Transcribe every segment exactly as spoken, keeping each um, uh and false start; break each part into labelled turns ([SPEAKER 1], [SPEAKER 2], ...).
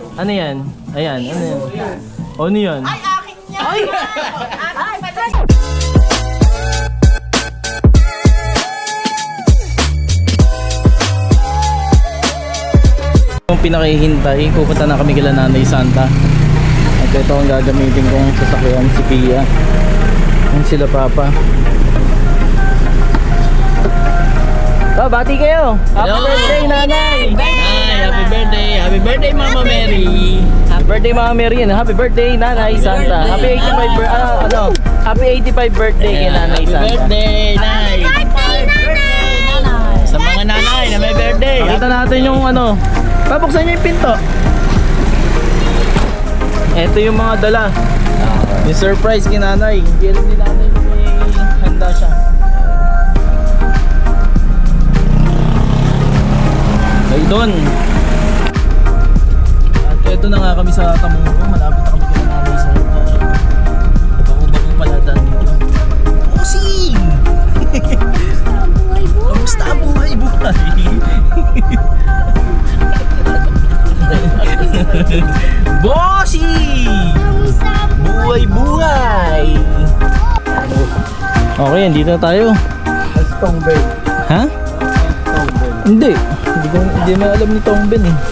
[SPEAKER 1] Ano yan? Ayan, ano yan? Ano yan?
[SPEAKER 2] Ay, akin yan! Ay! Ay, patay!
[SPEAKER 1] Kung pinakihintay, pupunta na kami kila Nanay Santa. At ito ang gagamitin kong sasakyan, si Pia. Yan sila Papa. Oh, bati kayo! Happy
[SPEAKER 3] Hello.
[SPEAKER 1] birthday, Nanay!
[SPEAKER 3] Ay, happy birthday! Happy birthday, Mama Mary!
[SPEAKER 1] Happy birthday, Mama Mary! Happy birthday, Nanay Santa! Happy eighty-five birthday! Ah, ano? Happy eighty-five birthday kay Nanay
[SPEAKER 3] Happy
[SPEAKER 1] Santa!
[SPEAKER 3] birthday, Nay! Sa mga nanay na may birthday!
[SPEAKER 1] Pakita natin yung ano. Pabuksan nyo yung pinto. Ito yung mga dala. Yung surprise kay Nanay. Hindi alam ni Nanay na may handa siya. Ay doon. At ito na nga kami sa Tamungo. Malapit na kami kay Nanay sa bako-bako pala daan dito. Bossing! Kamusta ang buhay-buhay? Bossy! Buhay-buhay! Okay, dito na tayo.
[SPEAKER 4] Tongbay.
[SPEAKER 1] Ha?
[SPEAKER 4] Tongbay.
[SPEAKER 1] Hindi. Hindi ko hindi mo alam ni Tongben eh.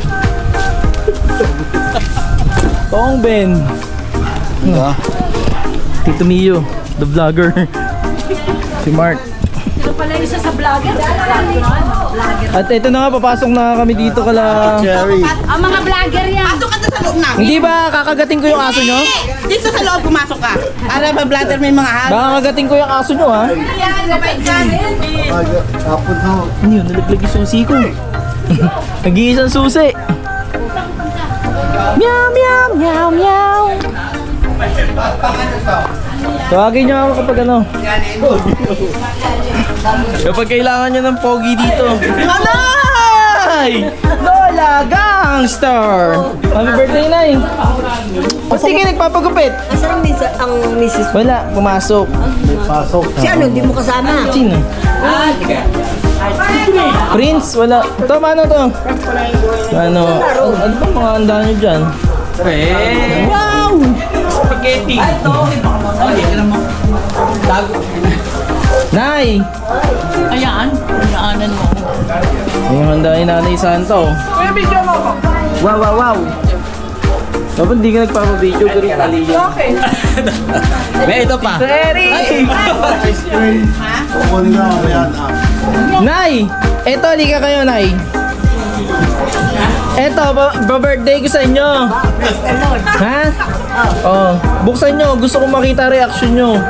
[SPEAKER 1] Tongben.
[SPEAKER 4] Ano?
[SPEAKER 1] Tito Mio, the vlogger. Si Mark.
[SPEAKER 2] Ito pala isa sa vlogger. Vlogger.
[SPEAKER 1] At ito na nga, papasok na kami dito kala...
[SPEAKER 4] Cherry.
[SPEAKER 2] Ang mga vlogger yan. Pasok ka na sa loob namin.
[SPEAKER 1] Hindi ba kakagating ko yung aso nyo?
[SPEAKER 2] Dito sa loob pumasok ka. Para ba-vlogger may mga halo.
[SPEAKER 1] Baka kagating ko yung aso nyo ha?
[SPEAKER 2] Yan, mabait ka.
[SPEAKER 4] Tapon na.
[SPEAKER 1] Ano yun? Nalaglag yung susi ko. Nag-iisang susi. Meow, meow, meow, meow. Tawagin nyo ako kapag ano. Kapag kailangan nyo ng pogi dito. Nanay! Lola Gangster! Happy birthday, Nay! O sige, nagpapagupit.
[SPEAKER 5] Asan ang misa- ang misis?
[SPEAKER 1] Wala, pumasok.
[SPEAKER 4] Pasok.
[SPEAKER 5] Si ano, hindi mo kasama?
[SPEAKER 1] Sino? Prince, wala. Ito, paano to? Ano? Ano ba mga handa nyo dyan? Wow!
[SPEAKER 3] Spaghetti!
[SPEAKER 1] Nay!
[SPEAKER 3] Ayan, pinaanan mo.
[SPEAKER 1] Yung handa ni Nanay Santa, oh. Wow, wow, wow! Dapat hindi ka nagpapabideo, pero kaliyan.
[SPEAKER 3] May ito pa.
[SPEAKER 1] Ready!
[SPEAKER 4] Kukunin na ako yan.
[SPEAKER 1] Nay! Eto, halika kayo, Nay. Eto, ba-birthday ko sa inyo. Ha? Oh, buksan nyo. Gusto kong makita reaction nyo.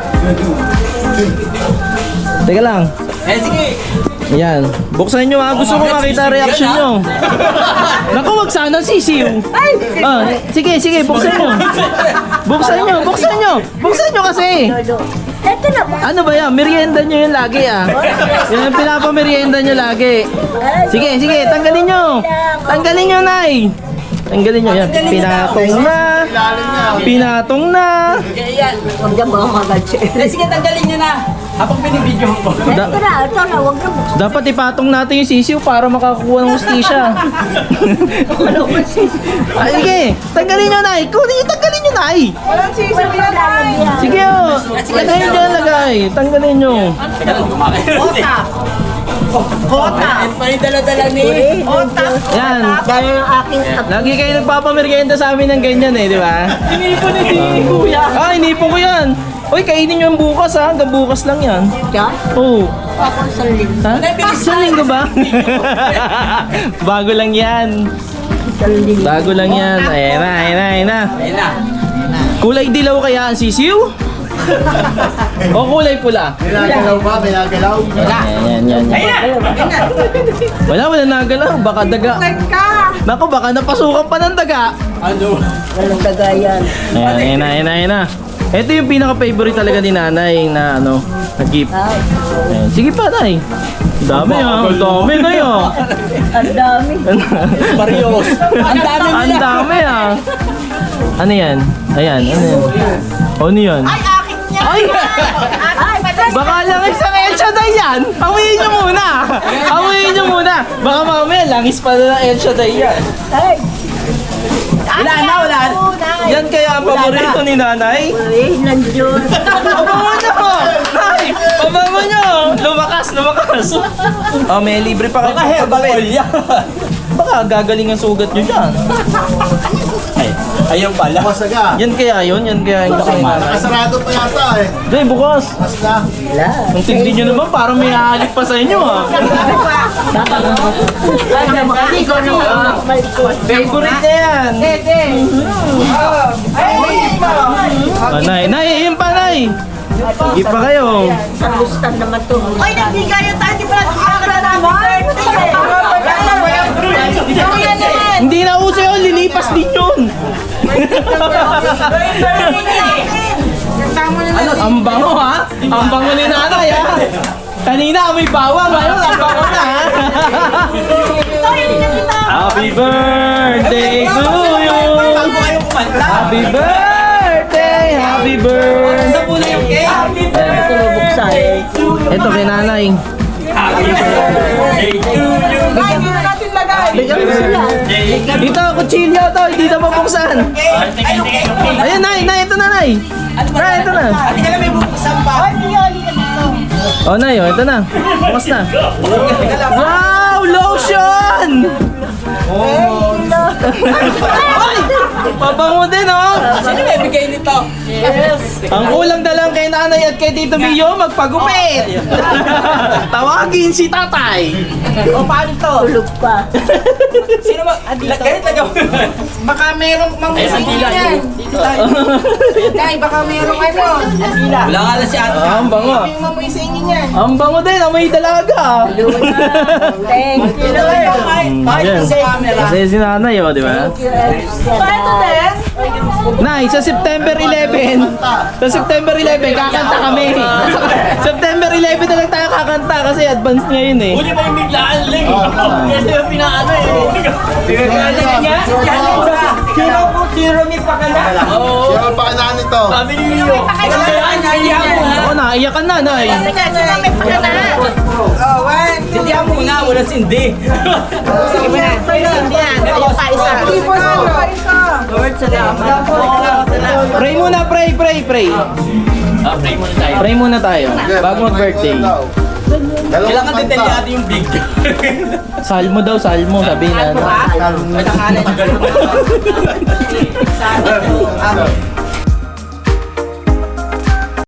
[SPEAKER 1] Teka lang.
[SPEAKER 3] Eh, sige!
[SPEAKER 1] Ayan. Buksan nyo ha. Gusto kong makita reaction nyo. Naku, wag sana sisiw. Ah, sige, sige. Buksan nyo. Buksan nyo. Buksan nyo. Buksan nyo kasi.
[SPEAKER 5] Eto na ba?
[SPEAKER 1] Ano ba yan? Merienda nyo yun lagi ah. Yan ang pinapamerienda nyo lagi. Sige, sige. Tanggalin nyo. Tanggalin nyo, Nay. Tanggalin nyo. Yan. Pinatong na. Pinatong na.
[SPEAKER 5] Huwag na mga magadsi.
[SPEAKER 3] Eh, sige, tanggalin nyo na. Habang binibidyo ko.
[SPEAKER 1] Da-
[SPEAKER 5] Eto na, eto na, huwag na buksan.
[SPEAKER 1] dapat ipatong natin yung sisiw para makakuha ng hustisya. Ay, sige. Tanggalin nyo, Nay. Kunin nyo, tanggalin nyo, Nay.
[SPEAKER 2] Walang sisiw yan, Nay.
[SPEAKER 1] Sige, oh. Lagay nyo, lagay. Tanggalin nyo.
[SPEAKER 2] Kota. Kota.
[SPEAKER 3] May dala-dala ni...
[SPEAKER 2] Kota.
[SPEAKER 1] Yan.
[SPEAKER 5] Dahil ang aking apo.
[SPEAKER 1] Lagi kayo nagpapamerienda sa amin ng ganyan eh, di ba?
[SPEAKER 3] Inipon ni si Kuya.
[SPEAKER 1] Ah, inipon ko yan. Uy, kainin nyo yung bukas ha. Hanggang bukas lang yan.
[SPEAKER 5] Siya?
[SPEAKER 1] Oo.
[SPEAKER 5] Ako sa linggo.
[SPEAKER 1] Ha? Isang linggo ba? Bago lang yan.
[SPEAKER 5] Sa linggo.
[SPEAKER 1] Bago lang yan. Ayan na, ayan na, ayan na.
[SPEAKER 3] Ayun na.
[SPEAKER 1] Kulay dilaw kaya ang sisiw? O kulay pula?
[SPEAKER 4] Pinagalaw ba? Pinagalaw?
[SPEAKER 1] Ayan, yan, yan. Wala, wala nagalaw. Baka daga.
[SPEAKER 2] Ka.
[SPEAKER 1] Naku, baka napasukan pa ng daga.
[SPEAKER 3] Ano?
[SPEAKER 5] Walang kagayan.
[SPEAKER 1] Ayan, ayan na, ayan na, ayan na. Ito yung pinaka-favorite talaga ni Nanay na ano, na gift.
[SPEAKER 5] Ay,
[SPEAKER 1] Ayan. Sige pa, Nay. Ang dami ah. Ang dami na yun.
[SPEAKER 5] ang dami.
[SPEAKER 3] Marios. Ang dami
[SPEAKER 1] Ang
[SPEAKER 3] nila.
[SPEAKER 1] dami ah. Ano yan? Ayan, ano yan? Ano yan?
[SPEAKER 2] Ay, akin yan.
[SPEAKER 1] Ay!
[SPEAKER 2] Ay, patay.
[SPEAKER 1] Baka lang isang El Shaddai yan! Awiin nyo muna! Awiin nyo muna! Baka mamaya langis pa na ng El Shaddai yan.
[SPEAKER 5] Ay,
[SPEAKER 3] Wala na, wala na.
[SPEAKER 1] Yan kaya ang paborito ni nanay?
[SPEAKER 5] Eh, nandiyon.
[SPEAKER 1] Pabango nyo! Nay! Pabango nyo! Lumakas, lumakas! Oh, may libre pa kayo.
[SPEAKER 3] Baka herbal oil yan.
[SPEAKER 1] Baka gagaling ang sugat nyo dyan.
[SPEAKER 3] Ay, ayun pala.
[SPEAKER 4] Masaga.
[SPEAKER 1] Yan kaya yun, yan kaya yung laki.
[SPEAKER 4] Nakasarado pa yata eh.
[SPEAKER 1] Day, bukas.
[SPEAKER 4] Mas na.
[SPEAKER 5] Wala.
[SPEAKER 1] Ang tindi nyo naman, parang may halik pa sa inyo ah.
[SPEAKER 5] Hindi ko na
[SPEAKER 1] Favorite na yan. Ah, nay, nay, yun pa nay. Hindi pa kayo.
[SPEAKER 5] Sa lustan naman to.
[SPEAKER 2] Ay, nagbigayo tayo. Di pala nakakala naman.
[SPEAKER 1] Hindi na uso yun, lilipas din yun. Ang bango ha? Ang bango ni nanay ha? Kanina may bawang, ngayon ang bango na ha? Happy birthday to you!
[SPEAKER 3] Bago kayo kumanta.
[SPEAKER 1] Happy birthday! Happy birthday!
[SPEAKER 3] Sa pula yung cake. Happy
[SPEAKER 5] Ito mabuksan.
[SPEAKER 1] Ito kay nanay.
[SPEAKER 3] birthday to you.
[SPEAKER 1] Bigyan mo sila. Dito, kutsilyo to, hindi na mabuksan. Ayun, nay, nay, ito na, nay. Nay, ito na.
[SPEAKER 3] Hindi ka na may bubuksan pa.
[SPEAKER 1] Oh, nay, oh, ito na. Bukas na. Wow, lotion! Ay! Pabango din, oh!
[SPEAKER 3] Sino may bigay nito?
[SPEAKER 1] Ang kulang na lang kay nanay at kay Tito Mio, magpagupit! Tawagin si tatay!
[SPEAKER 3] O paano to?
[SPEAKER 5] Tulog pa.
[SPEAKER 3] Sino ba? Ganit lagaw.
[SPEAKER 2] Baka merong mamusingin yan.
[SPEAKER 3] Dito tayo.
[SPEAKER 2] Dahil baka merong ano.
[SPEAKER 3] Wala nga lang si ate.
[SPEAKER 1] Ah, ang bango.
[SPEAKER 2] Yung mamusingin yan.
[SPEAKER 1] Ang bango din, amoy dalaga.
[SPEAKER 5] Thank you, Lord.
[SPEAKER 1] Yan. Kasi si nanay, oh, di ba?
[SPEAKER 2] Paano din?
[SPEAKER 1] Nay, sa September eleven, sa September eleven, kakanta kami. September eleven na lang tayo kakanta kasi advance ngayon eh.
[SPEAKER 3] Huli pa yung biglaan lang. Kasi yung pinaano eh. Pinagkala niya. Sino po? Sino may pakala? Oo.
[SPEAKER 4] Sino pa kanaan nito?
[SPEAKER 3] Sabi ni Mio. Kaya naiyak mo ha.
[SPEAKER 1] Oo, naiyak ka na, nay.
[SPEAKER 2] Teka, sino may pakana? Oh, one.
[SPEAKER 3] Sindihan mo na, wala sindi.
[SPEAKER 2] Sige mo na. Yan. Ayun pa isa.
[SPEAKER 3] Lord, salamat.
[SPEAKER 1] Pray muna, pray, pray, pray.
[SPEAKER 3] Ah, pray muna tayo.
[SPEAKER 1] Pray muna tayo, bago mag-birthday.
[SPEAKER 3] Kailangan detalyado yung big.
[SPEAKER 1] Salmo daw, salmo, sabi na.
[SPEAKER 3] Ay, tangalan.